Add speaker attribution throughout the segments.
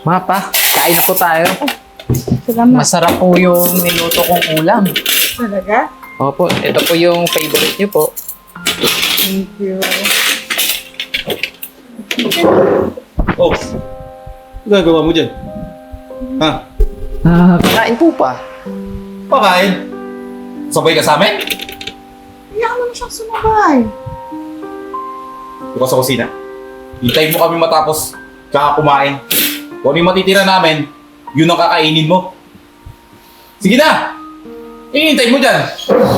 Speaker 1: Mga pa, kain na po tayo.
Speaker 2: Salamat.
Speaker 1: Masarap po yung niluto kong ulam.
Speaker 2: Talaga?
Speaker 1: Opo, ito po yung favorite niyo po.
Speaker 2: Thank you.
Speaker 3: Oh, ano gagawa mo dyan? Ha?
Speaker 1: Kakain po pa.
Speaker 3: Pakain? Sabay ka sa amin?
Speaker 2: Hayaan mo na siyang sumabay.
Speaker 3: Bukas sa kusina. Hintayin mo kami matapos tsaka kumain. Kung ano yung matitira namin, yun ang kakainin mo. Sige na! Hintayin mo dyan!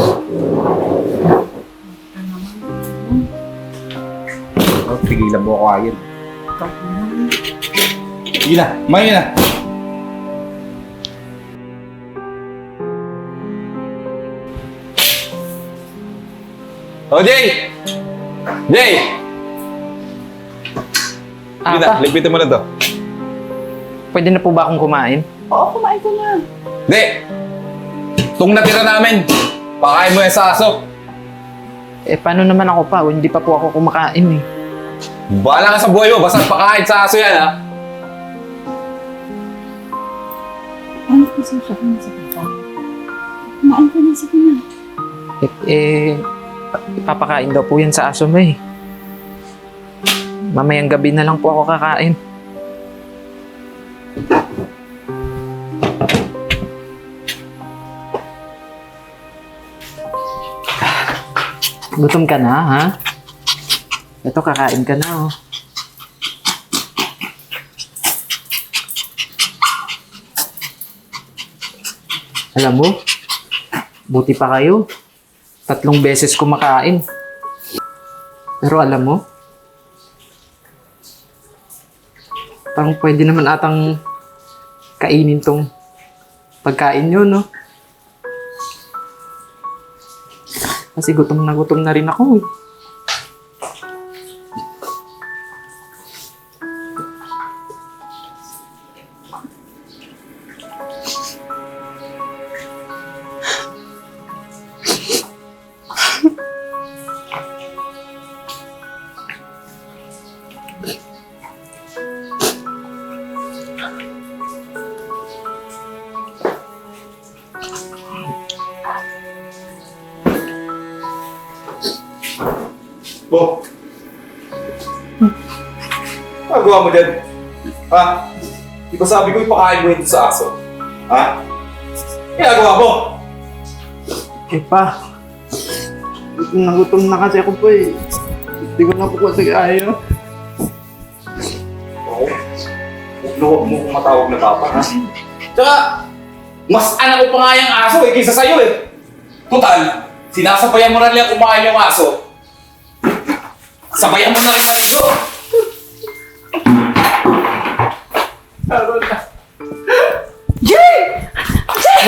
Speaker 3: Oh, pigilan mo ako ayun. Sige na, kumain na. Oh, Jay! Jay! Sige na,
Speaker 1: Pa,
Speaker 3: lipitin mo na to.
Speaker 1: pwede na po ba akong kumain?
Speaker 2: Oo, kumain ka na.
Speaker 3: Hindi! Itong natira namin, pakain mo yan sa aso.
Speaker 1: Eh, paano naman ako pa? Hindi pa po ako kumakain eh.
Speaker 3: Bahala ka sa buhay mo, basta pakain sa aso yan, ha?
Speaker 2: Ano kasi siya kung sa papa? Kumain ka na, sige na.
Speaker 1: Ipapakain daw po yan sa aso mo eh. Mamayang gabi na lang po ako kakain. Gutom ka na, ha? Ito, kakain ka na, oh. Alam mo, buti pa kayo. 3 beses kumakain. Pero alam mo, parang pwede naman atang kainin tong pagkain nyo, no? Kasi gutom na rin ako, eh.
Speaker 3: Bo! Magawa mo dyan? Ha? Di ba sabi ko ipakain mo ito sa aso? Ha? Ginagawa mo?
Speaker 1: Eh pa, gutom na kasi ako po eh. Hindi ko na po kasi kaya.
Speaker 3: Oo. Huwag mo kung matawag na papa, ha? Tsaka, mas anak ko pa nga yung aso eh, kaysa sa'yo eh. Total, sinasabayan mo na nila kumain yung aso. Sabayan mo na rin maligo!
Speaker 2: Jay! Jay!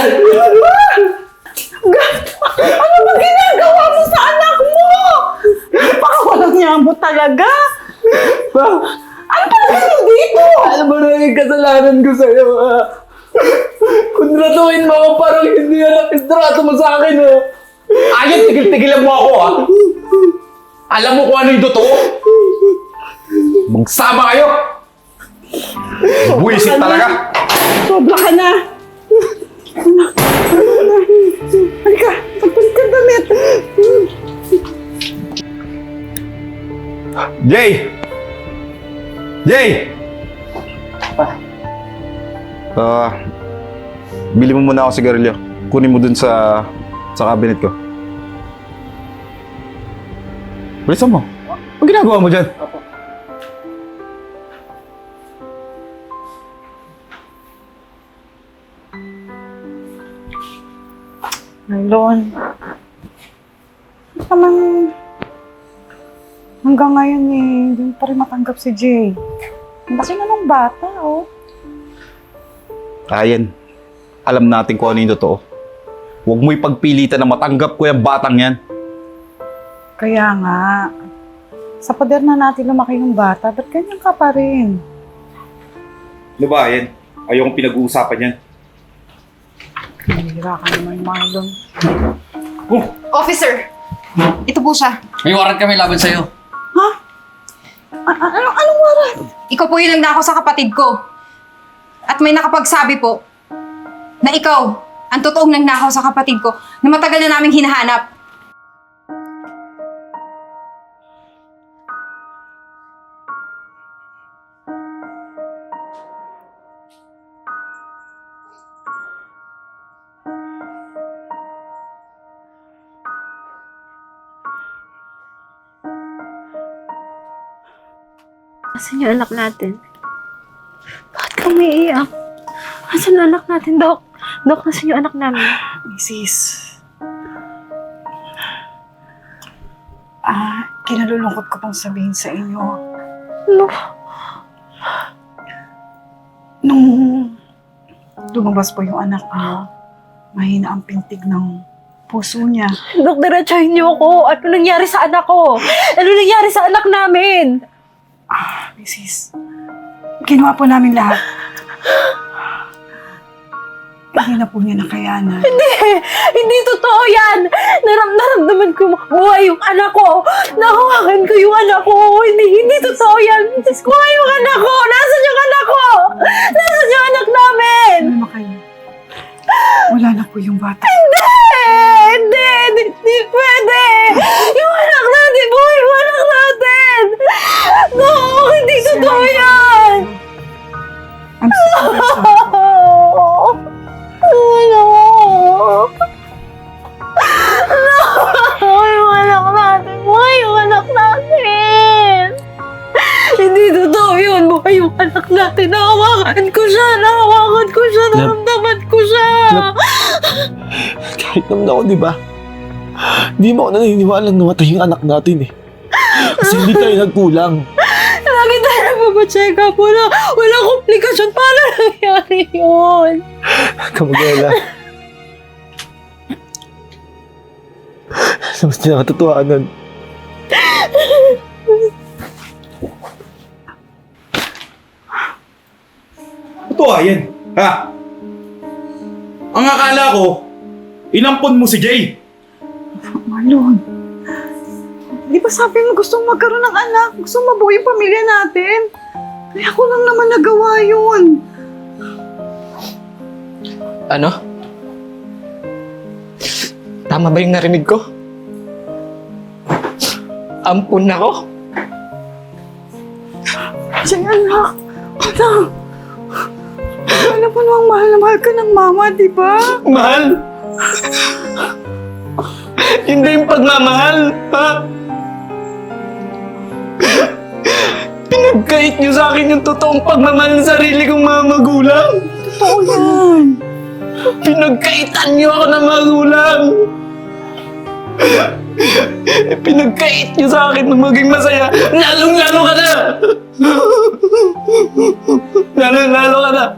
Speaker 2: Ano ba ginagawa mo sa anak mo? Baka walang nyambo talaga. Ano ba naman dito?
Speaker 1: Alam mo na yung kasalanan ko sa'yo, ha? Kung ratuin mo ako, parang hindi na istrato mo sa akin, ha?
Speaker 3: Ayun, tigil-tigilan mo ako, ha? Alam mo kung ano yung totoo? Magsama kayo! Buwisit talaga!
Speaker 2: Sobra ka na. Halika, magpalit ka damit.
Speaker 3: Jay! Jay! Bili mo muna ako sigarilyo. Kunin mo dun sa cabinet ko. Bilisan mo. Ang ginagawa mo dyan?
Speaker 2: Marlon. Naman, hanggang ngayon eh, hindi pa rin matanggap si Jay. Ang laki na ng bata, oh.
Speaker 3: Ayan. Alam natin kung ano yung totoo. Huwag mo ipagpilitan na matanggap ko yung batang yan.
Speaker 2: Kaya nga, sa pader na natin lumaki ng bata, ba't ganyan ka pa rin?
Speaker 3: Ano ba, yan? Ayokong pinag-uusapan yan.
Speaker 2: Hira ka naman, Marlon.
Speaker 4: Officer! Ito po siya.
Speaker 5: May warrant kami laban sa'yo.
Speaker 2: Ha? Anong waran?
Speaker 4: Ikaw po yung nagnakaw sa kapatid ko. At may nakapagsabi po na ikaw ang totoong nagnakaw sa kapatid ko na matagal na naming hinahanap.
Speaker 5: Asan yung anak natin? Bakit ka umiiyak? Asan yung anak natin, Dok? Dok, asan yung anak namin?
Speaker 2: Mrs. Kinalulungkot ko pang sabihin sa inyo.
Speaker 5: Ano?
Speaker 2: Nung lumabas po yung anak niyo, mahina ang pintig ng puso niya.
Speaker 5: Dok, diretsahin niyo ako. Ano nangyari sa anak ko? Ano nangyari sa anak namin?
Speaker 2: Mrs. Ginawa po namin lahat. Hindi na po niya nakayanan.
Speaker 5: Hindi totoo yan! Naramdaman ko buhay yung anak ko! Nahawakan ko yung anak ko! Hindi totoo yan! Buhay yung anak ko! Nasaan yung anak ko? Nasaan yung anak namin?
Speaker 2: Ano kayo? Wala na po yung bata.
Speaker 5: Hindi pwede! Yung anak natin! Buhay yung anak natin! No! Hindi totoo yan!
Speaker 2: I'm sorry.
Speaker 5: No! Buhay yung anak natin! Buhay yung anak natin! Hindi totoo yun! Buhay yung anak natin! Nahawakan ko siya! Naramdaman ko siya!
Speaker 1: Kahit naman ako, di ba? Di mo ako naniniwalang namatay yung anak natin eh. Kasi hindi tayo nagkulang.
Speaker 5: Lagi tayo nagpapacheck up. Walang komplikasyon. Paano nangyari yun?
Speaker 1: Kamagala. Sa mas nakatotohanan.
Speaker 3: Totoo yan, ha? Ang akala ko, inampon mo si Jay.
Speaker 2: Marlon, di ba sabi mo gusto mong magkaroon ng anak? Gusto mong mabuo yung pamilya natin? Kaya ako lang naman nagawa yun.
Speaker 1: Ano? Tama ba yung narinig ko? Ampun ako?
Speaker 2: Jay, anak. Anak. Alam mo namang mahal na mahal ka ng mama, di ba?
Speaker 1: Mahal? Hindi yung pagmamahal, ha? Pinagkait niyo sa akin yung totoong pagmamahal ng sarili kong mga magulang.
Speaker 2: Totoo yan.
Speaker 1: Pinagkaitan niyo ako ng magulang. Pinagkait niyo sa akin na maging masaya. Lalong-lalo ka na! Lalong-lalo ka na!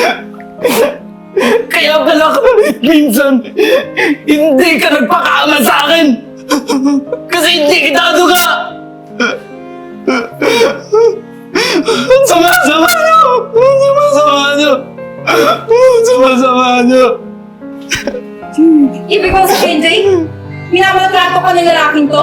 Speaker 1: Kaya pala kahit minsan, hindi ka nagpakaama sa akin! Kasi hindi kita aduga! Ang sama-sama niyo! Ang sama-sama niyo! Ang sama-sama niyo!
Speaker 4: Ibig mo sabihin, Jay? Minamaltrato ka ng lalaking to?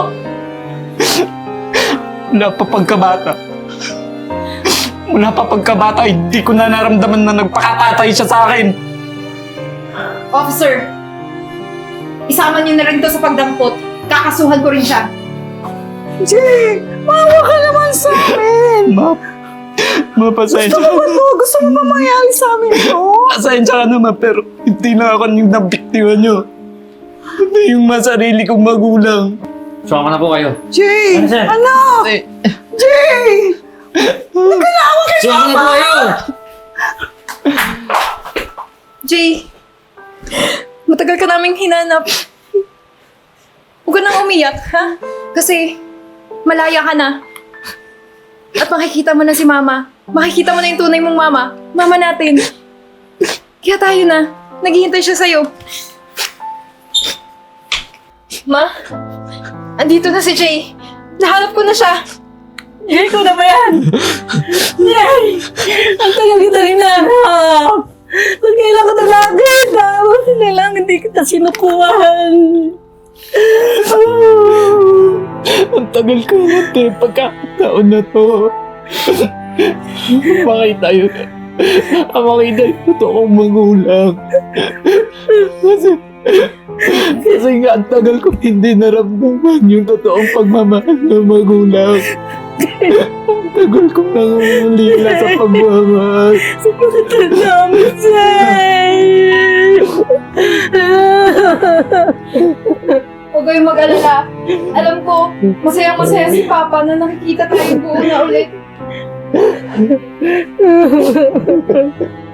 Speaker 1: Mula pa pagkabata. Mula pa pagkabata, hindi ko na naramdaman na nagpakatatay siya sa akin.
Speaker 4: Officer, isama niyo na rin to sa pagdampot. Kakasuhan ko rin siya.
Speaker 2: Jay, maawa ka naman sa amin.
Speaker 1: Mapasensya
Speaker 2: Gusto mo mo? Gusto mo ba mangyari sa amin to?
Speaker 1: Pasensya ka naman, pero hindi na ako yung nabiktima nyo. Hindi yung masarili kong magulang.
Speaker 6: Sumama na po kayo.
Speaker 2: Jay,
Speaker 6: Ano, sir?
Speaker 2: anak! Jay!
Speaker 6: Sumama na po kayo!
Speaker 4: Jay, matagal ka naming hinanap. Huwag ka nang umiyak, ha? Kasi malaya ka na. At makikita mo na si Mama. Makikita mo na yung tunay mong mama. Mama natin. Kaya tayo na. Naghihintay siya sa'yo. Ma, andito na si Jay. Nahanap ko na siya.
Speaker 5: Jay, ikaw na ba yan? Jay! Ang tagal kita rin nahanap! Ba't kailan ka talaga? Tapos na lang, hindi kita sinukuhan.
Speaker 1: Ang tagal ko na, te. Pagkakataon na to. Bakit tayo? ang makita yung totoong magulang. Kasi nga ang tagal ko hindi naramdaman yung totoong pagmamahal ng magulang. Ang tagal kong nangungulila sa pagmamahal.
Speaker 5: Sakit namin, Zay!
Speaker 4: Huwag kayong mag-alala. Alam ko, masaya-masaya si Papa na nakikita tayong buo na ulit.